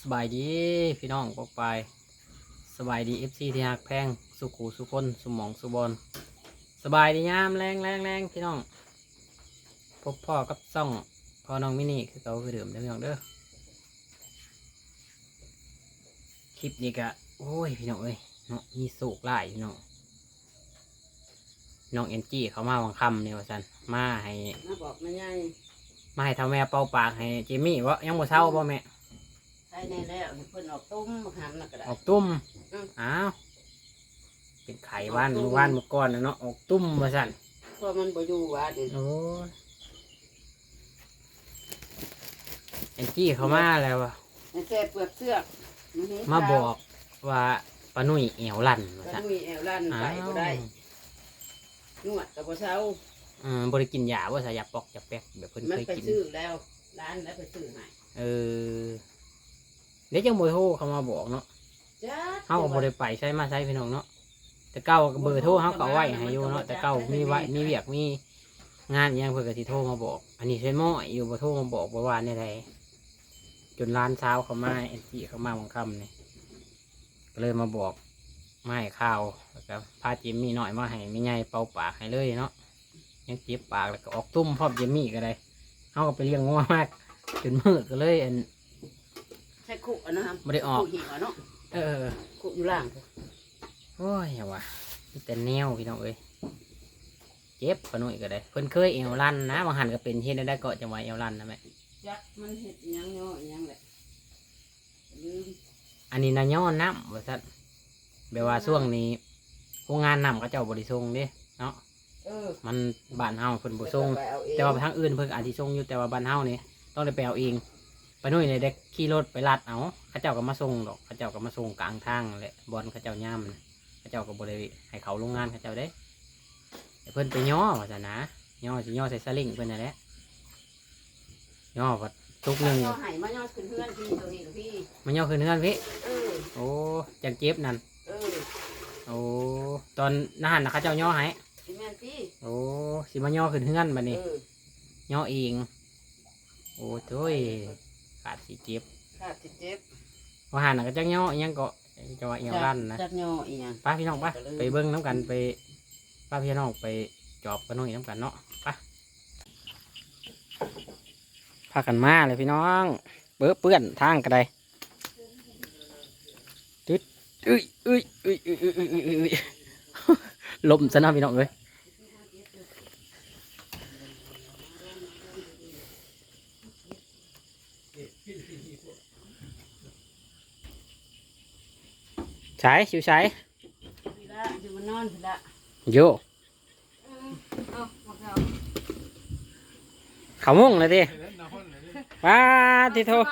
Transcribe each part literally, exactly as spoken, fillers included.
สบายดีพี่น้องปกไปสบายดีเอฟซีที่หักแพงสุขูสุคนสมองสุบอลสบายดียามแรงแรงแรงพี่น้องพบพ่อกับซ่องพ่อน้องมินี่คือเขาคือเดิมเด้อพี่น้องเด้อคลิปนี้กะโอ้ยพี่น้องเอ้ยเนาะมีสูกไล่พี่น้องน้องเอ็นจี้เขามาวังคำเนี่ยว่าสันมาให้มาบอกแม่ยายมาให้ทำแม่เป่าปากให้เจมี่วะยังบ่เศร้าป่ะแม่ใช่แน่แล้วเพิ่นออกตุ้มมาหันน่ะก็ได้ออกตุ้มอ้าวเป็นไข่ว่านมือว่านมือก้อนนะเนาะออกตุ้มมาสั่นเพราะมันบ่อยู่ว่าดิโอ้ยแอนจี้เขามาแล้ววะแซ่เปลือกเสื้อมาบอกว่าปานุ่ยเอวลั่นปานุ่ยเอวลั่นไปบ่ได้นวดกับบ่เช้าอืมบริกินยาว่าสายาปอกยาแป๊กแบบเพิ่นเคยกินมันไปซื้อแล้วร้านแล้วไปซื้อให้เออเดี๋ยวจังบ่โทรเขามาบอกเนาะเฮาก็บ่ได้ไปใช้มาใช้พี่น้องเนาะแต่เก่าเบอร์โทรเฮาก็เอาไว้ให้อยู่เนาะแต่เก่ามีไว้มีเวียกมีงานยังเพิ่นก็สิโทรมาบอกอันนี้ใช้หม้ออยู่บ่โทรมาบอกบ่ว่าแน่ใดจนร้านเช้าเขามาแอนจี้เขามาวันค่ำนี่ก็เลยมาบอกมาให้ข้าวแล้วก็พาเจมมี่หน่อยมาให้แม่ใหญ่เป่าปากให้เลยเนาะยังเจ็บปากแล้วก็ออกตุ้มพร้อมเจมมี่ก็ได้เฮาก็ไปเลี้ยงงัวมากจนมืดก็เลยอันใช้คุกอ่ะนะครับไม่ได้ออกคุกหิวเนาะเออคุกอยู่ล่างโอ้ยอย่าว่ะมีแต่แนวพี่น้องเอ้ยเจ็บปะหน่อยก็ได้เพิ่นเคยเอวลั่นนะบางหันก็เป็นเฮ็ดได้ก็จังหวะเอวลั่นนะแม่ยักมันเห็ดยังเนาะยังแหละลืมอันนี้นะย้อนน้ำว่าซั่นแปลว่าช่วงนี้โรงงานน้ำก็เจ้าบริส่งเด้เนาะเออมันบ้านเฮาเพิ่นบ่ส่งแต่ว่าทางอื่นเพิ่นอาจสิส่งอยู่แต่ว่าบ้านเฮานี่ต้องได้ไปเอาเองไปนู่นเลยเด็กขี่รถไปลัดเอาเขาเจ้าก็มาส่งดอกเขาเจ้าก็มาส่งกลางทางแหละบอลเขาเจ้าย่ำนะเขาเจ้าก็บริให้เขาโรงงานเขาเจ้าได้เพิ่นไปย่อว่าจะนะย่อสิย่อใส่สลิงเพิ่นนั่นแหละย่อวัดทุกหนึ่งย่อไห่มาย่อขึ้นเพื่อนพี่ตัวนี้หรือพี่มันย่อขึ้นเพื่อนพี่เออโอ้จังเจ็บนั่นเออโอ้ตอนนั่นนะเขาเจ้าย่อให้แม่นพี่โอ้สิมาย่อขึ้นเพื่อนบัดนี้ย่อเองโอ้โถ่ขาดสีเจ็บขาดสีเจ็บว่าหันก็จังย่อยังก็จะว่าเอวลั่นนะจักย่ออีหยังป้าพี่น้องป้าไปเบิ้งน้ำกันไปป้าพี่น้องไปจอบกันน้องน้ำกันเนาะป้าพากันมาเลยพี่น้องเปื้อเปื้อนทางกันได้ตึ๊ดอุ้ยอุ้ยอุ้ยอุ้ยอุ้ยอุ้ยอุ้ยลมซะนะพี่น้องเลยใช้ชิวใช้อยู่มานอนสิละโยเขามุ่งเลยดิว้าทีโท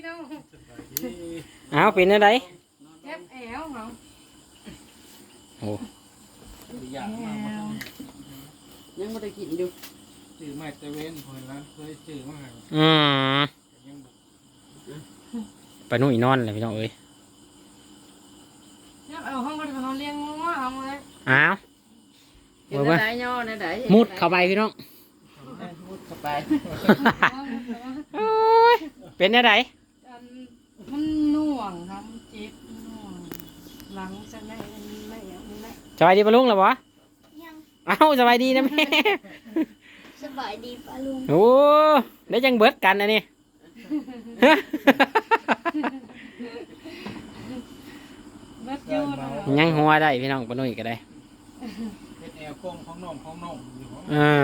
เอาเป็นอะไรเจ็บแอวเหรอโอ้ยังไม่ได้กินอยู่จืดไม่ตะเวนพอแล้วเคยจืดมากอืมไปนู่นอีนอนเลยพี่น้องเอ้ยเอาห้องก็เขาเลี้ยงงัวเอาเลยอ้าวเห็นได้ย่อได้ไหนมุดเข้าไปพี่น้องมุดเข้าไปเป็นอะไรมันน่วงครับเจ็บน่วงหลังจะไม่ไม่ไม่สบายดีป้าลุงหรอวะยังเอ้าสบายดีนะแม่สบายดีป้าลุงโอ้ได้จังเบิดกันนะนี่ยังหัวได้พี่น้องปนุ่ยก็ได้เป็นแอลกงของน้องของน้องอ่า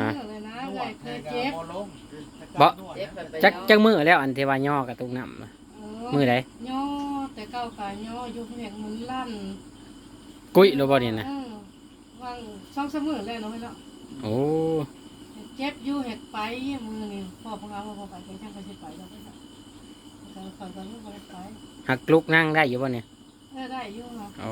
บ่จักจักมือแล้วอันเทวาย่อกระตุกน้ำมือไหนย่อแต่เก่ากะย่ออยู่เพียงมือลั่นกุ้ยโรบอนี่นะวางช่องเสมอเลยเนาะพี่เนาะโอ้เจ็บอยู่เห็ดไปมือนี่พ่อพงเอาพ่อไปแข่งช่างไปเช็ดไปแล้วพี่เนาะแต่ฝันตอนนี้บ่ได้ไปหักลุกนั่งได้อยู่บ่เนี่ยได้อยู่ครับโอ้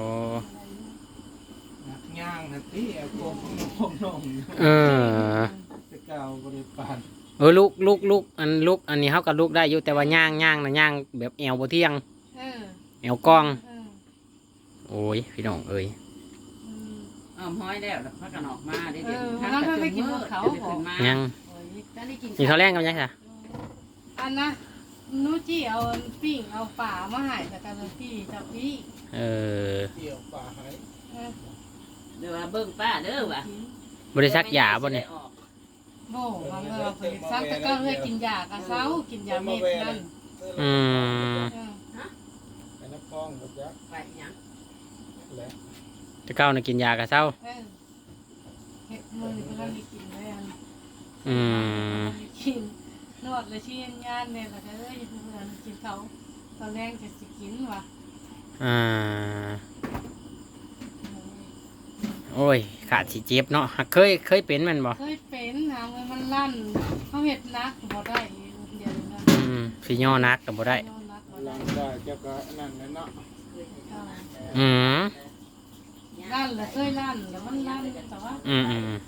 ย่างนะที่แอลกงของน้องของน้องเออจะเก่าบริปานเออลูกลูกลูกอันลูกอันนี้เขากับลูกได้อยู่แต่ว่าย่างย่างนะย่างแบบแอวบ่เที่ยงแอวกองโอ้ยพี่น้องเอ้ยอ้าวห้อยแล้วพักกันออกมาได้เดี๋ยวทางไปกินเขายังนี่เขาแรงกันยังไงอันนะนูจี้เอาปิ้งเอาป่ามาใหายแต่การพี่จับพี่เออเกี่ยวป่าหายเออเดี๋ยวว่าเบิ่งป้าเด้อว่ะบริษัทยาบ่เนี่ยโบ่บางเออผลิตซักแต่ก็เลยกินยากับเขากินยาเม็ดนั่นอืมเออไอ้น้ำพองหมดยักษ์ไปหยังแหละจะเก้าน่ะกินยากะเศร้าเออเห็ดมือนี่เพิ่นได้กินเลยอันอืมกินนวดเลยชี้งานเนี่ยแล้วก็เอ้ยเพื่อนกินเขาตอนแรกจะสิกินว่ะอ่าโอ้ยขาดสิเจ็บเนาะเคยเคยเป็นแมันบ่เคยเป็นหามือมันลั่นเขาเห็ดนักบ่ได้เดี๋ยวนี้อืมสิย่อนักก็บ่ได้นักบ่ลัได้งได้เจ้าก็นั่นแหละเนาะอืมลั่นเลยเคยลั่นแล้วมันลั่นแต่ว่าอืมอืม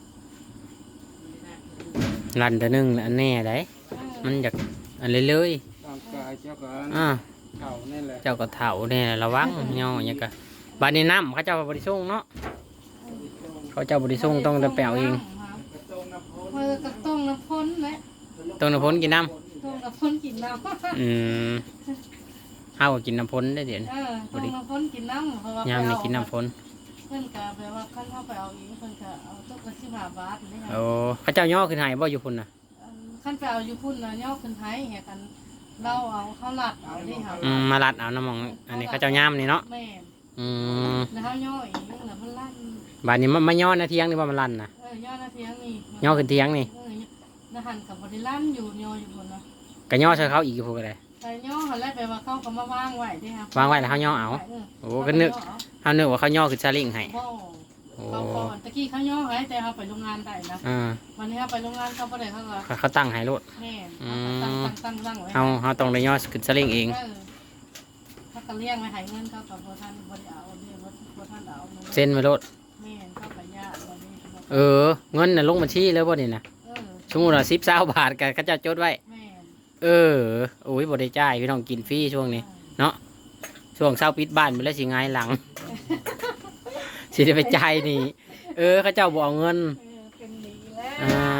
รันเดอนึงแล้วอันแน่ได้มันอยากอันเลยเลยร่างกายเจ้าก็อ่าเข่านี่แหละเจ้าก็เฒ่าแน่ระวังย่ออย่างกะบาดนี้น้ำเขาเจ้าบริสุทธิ์เนาะเขาเจ้าบริสุทธิ์ต้องแต่แปลวเองกระตรงน้ำพุเออกระต้งน้ำพ้นแหละต้องน้ำพ้นกินน้ต้งน้ำพ้นกินน้ำำอืมเฮาก็กินน้ำพ้นได้เดี๋ยวนี้เออต้งน้ำพ้นกินน้ำเพราะว่ายามนี่กินน้ำพ้นเพื่อนกะแปลว่าขั้นเข้าไปเอาเองเพื่อนกะเอาตุ๊กกระชิบหาบาทนี่ค่ะโอ้เขาเจ้าย่อขึ้นใหายบ่อยู่พุ่นน่ะขั้นไปเอาอยู่พุ่นนะย่อขึ้นไทยเหี่ยกันเราเอาข้าวหลัดเอาดิค่ะอืมมาลัดเอาน้ำมองอันนี้เขาเจ้าย่ามนี่เนาะแม่อืมแล้วเขาย่ออีกแล้วมันลั่นบาดนี้มันมาย่อนะเที่ยงนี่ว่ามันลั่นนะเออย่อนาเทียงนี่ย่อขึ้นเที่ยงนี่เออแล้วหันกับบริลั่นอยู่ย่ออยู่บนนะก็ย่อใส่เขาอีกพวกก็ได้แต่ย่อหันแรกไปว่าเขาก็มาวางไว้ดิค่ะวางไว้แล้วเขาย่อเอา โอ้ก็นึกเขานึกว่าเขาย่อขึ้นซาเลิงให้บ่โอ้เขาก่อนตะกี้เขาย่อไว้แต่เขาไปโรงงานได้นะอ่าวันนี้เขาไปโรงงานเขาบ่ได้เขาก็เขาเขาตั้งให้โลดแม่ตั้งตั้งตั้งตั้งไว้เฮาเฮาต้องได้ย่อขึ้นซาเลิงเองเออเขาก็เลี้ยงไว้ให้เงินเขากับบ่ทันบ่ได้เอาเลี้ยงบ่ทันเอาเงินเส้นไว้โลดแม่นเข้าไปยากวันนี้เขาบอกเออ เงินน่ะลงบัญชีเลยบ่นี่นะเออสมมุติว่าสิบ 20บาทก็เขาเจ้าจดไว้แม่นเออโอ้ยบ่ได้จ่ายพี่น้องกินฟรีช่วงนี้ เนาะช่วงเช้าปิดบ้านไปแล้วสิหงายหลัง สิได้ไปจ่ายนี่ เออเขาเจ้าบ่เอาเงินเออเป็นดีแล้วอ่า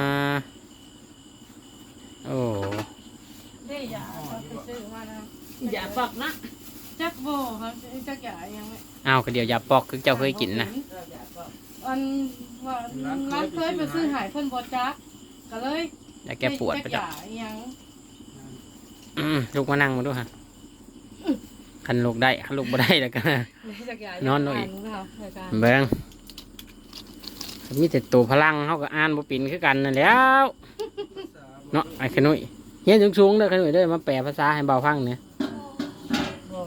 โอ้ได้ยาเขาไปซื้อมานะอย่าปอกนะจักโบครับจักยายังไม่อ้าวก็เดี๋ยวยาปอกคือเจ้าเคยกินนะอันว่าร้านเคยไปซื้อหายเพิ่นบ่จักก็เลยยาแก้ปวดจัปะกจ๊ะยายังอืมลูกมานั่งมาดูฮะคันลูกได้คันลูกบ่ได้แล้วกันจักยานอนหน่อยเบิ่งเบิ่งมีแต่ตัวพลังเขาก็อ่านบ่เป็นคือกันนั่นแหล้วเนาะไอ้ขนุยเฮียนสูงๆเด้อขนุยเด้อมาแปลภาษาให้เบาฟังเนี่ยบ่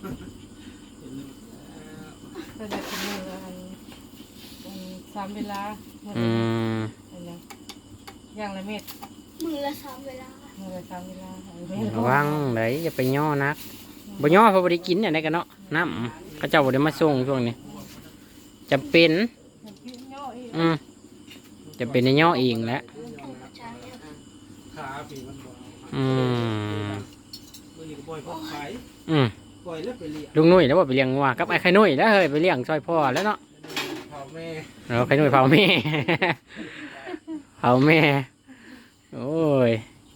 ก็จะกินมื้อละอันอันสามเวลามื้ออืละมอันนั้นอย่างละเม็ดมือละสามเวลามื้อละสามเวลาเอาไว้ระวังไหนอย่าไปย่อนักบ่ย่อเพราะบ่ได้กินอย่างไรกันเนาะน้ำเขาเจ้าบ่ได้มาส่งช่วงนี้จำเป็นกินย่ออีกอืมจะเป็นในย่อเองแหล้วต้องกระจายเนี่ยขาผีมันบ่อืมมือนี่ก็ปล่อยพวกไข่อืมปล่อยแล้วไปเลี้ยงลุงนุ่ยแล้วว่าไปเลี้ยงงัวกับไอ้ไข่นุ่ยแล้วเฮ้ยไปเลี้ยงซอยพ่อแล้วเนาะเผาแม่เราไข่นุ่ยเผาแม่ เผาแม่โอ้ย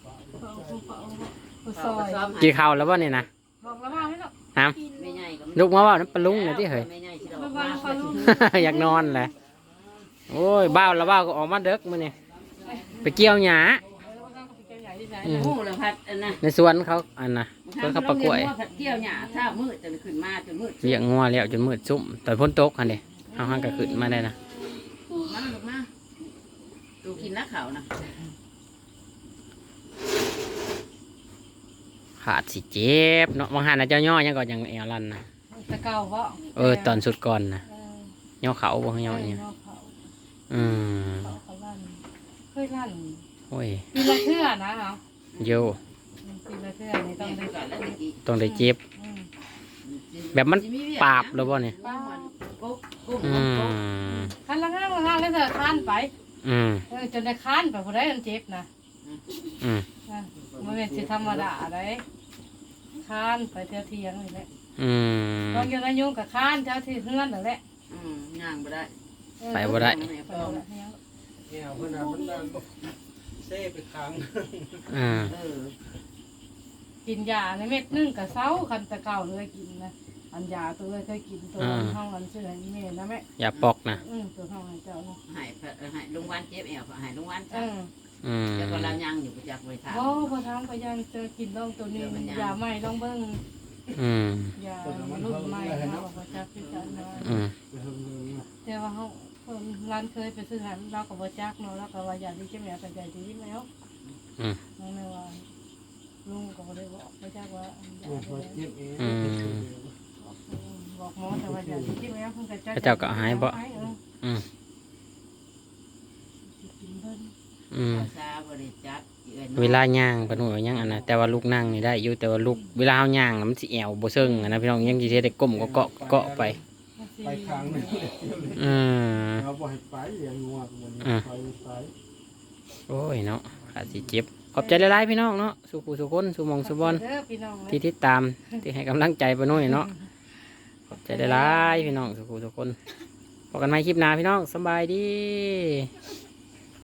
ซอยกินข้าวแล้วบ่เนี่ยนะบอกแล้วว่าให้เนาะน้กินไม่ใหญ่ก็ำลูกมาว่าน้ำปลาลุงเนี่ยที่เฮ้ยไม่ใหญ่สิดอกระมาวังกปลาลูกอยากนอนแหละโอ้ยบ้าวแล้วบ้าวก็ออกมาเด็กมื้อนี่ไปเกี่ยวหญ้า อืมหูแล้วพัดอันน่ะในสวนเขาอันน่ะสวนเขาปลากล้วยผัดเที่ยวหญ้าถ้ามืดจะขึ้นมาจนมืดเลี้ยงงัวแล้วจนมืดซุ่มตอนพ้นตกอันเด้เอาหันก็ขึ้นมาได้นะมาลูกมาดูกินนักข่าวนะขาดสิเจ็บเนาะบางหันนะเจ้าย่อยังก็ยังเอวลันนะตะเกาเพราะเออตอนสุดก่อนนะเออย่อเขาบ่ย่อเนี่ยเขาเขาอืมเขาลั่นเคยลั่นโอ้ยปีละเทื่อนะเนาะโยปีละเทื่อนี่ต้องได้ก่อนแล้วตะกี้ต้องได้เจ็บอืมแบบมันปราบหรือบ่เนี่ยป้ากุ๊กกุ๊กอืกุ๊กมคันละห้างละห้างแล้วเธอค้านไปอืมเออจนได้ค้านไปพอได้มันเจ็บนะอืมอ่ะมันเป็นสิธรรมดาได้ค้านไปเที่ยวเที่ยงนี่แหละอืมตอนยังอายุกับค้านเจ้าที่เฮือนนั่นแหละอืมย่างบ่ได้เออไปบ่ได้ไปบ่ได้เนี่ยแง่เพื่อนน่ะมันดันเซ่ไปค้างอ่าเออกินยาในเม็ดนึงกับเซาคันตะเก่าเลยกินนะอันยาตัวเลยเคยกินตัวห้องอันชื่อให้แม่นะแม่อย่าปอกนะอืมตัวห้องให้เจ้านะหายหายลุงวันเจ็บแอวหายลุงวันเอจ้ะออืมแล้วก็เรายังอยู่ประจักษ์ไว้ทางบ่พอทำก็ยังเจอกินต้องตัวนี้ยาใหม่ต้องเบิ่งอืมยารุ่นใหม่นะบอกว่าจักพิจารณาอืมไปเฮิงเฮิงนะแต่ว่าเขาคนร้านเคยไปซื้อหันเราก็บ่จักเนาะเราก็ว่าอยากดีจะแม่ก็ใจดีแล้วอืมนั่นแหละว่าลุงก็บ่ได้บอกบ่จักว่าอยาโอ้กพอได้เจ็บเองอืมบอกหมอแต่ว่าอยากดีจะแม่เพิ่นก็จักพระเจ้าก็หายบ่เอออืมสิกินเพิ่นอืมซาบริจักษ์เวลาย่างปะหน่วยยังอันนะแต่ว่าลูกนั่งนี่ได้อยู่แต่ว่าลูกเวลาเฮาย่างน่ะมันสิแอวบ่เซิงอะนะพี่น้องยังสิเฮ็ดได้ก้มก็เกาะเกาะไปมันสิไปครั้งหนึงอืมเราบ่ให้ไปอย่างงัวมันไปไปโอ้ยเนาะอาจสิเจ็บขอบใจหลายๆพี่น้องเนาะสุขุสุคนสุหมองสุบอลเด้อพี่น้องนะที่ติดตามที่ให้กำลังใจปะหน่วยเนาะขอบใจหลายๆพี่น้องสุขุสุคนพบกันใหม่คลิปหน้าพี่น้องสำบายดีส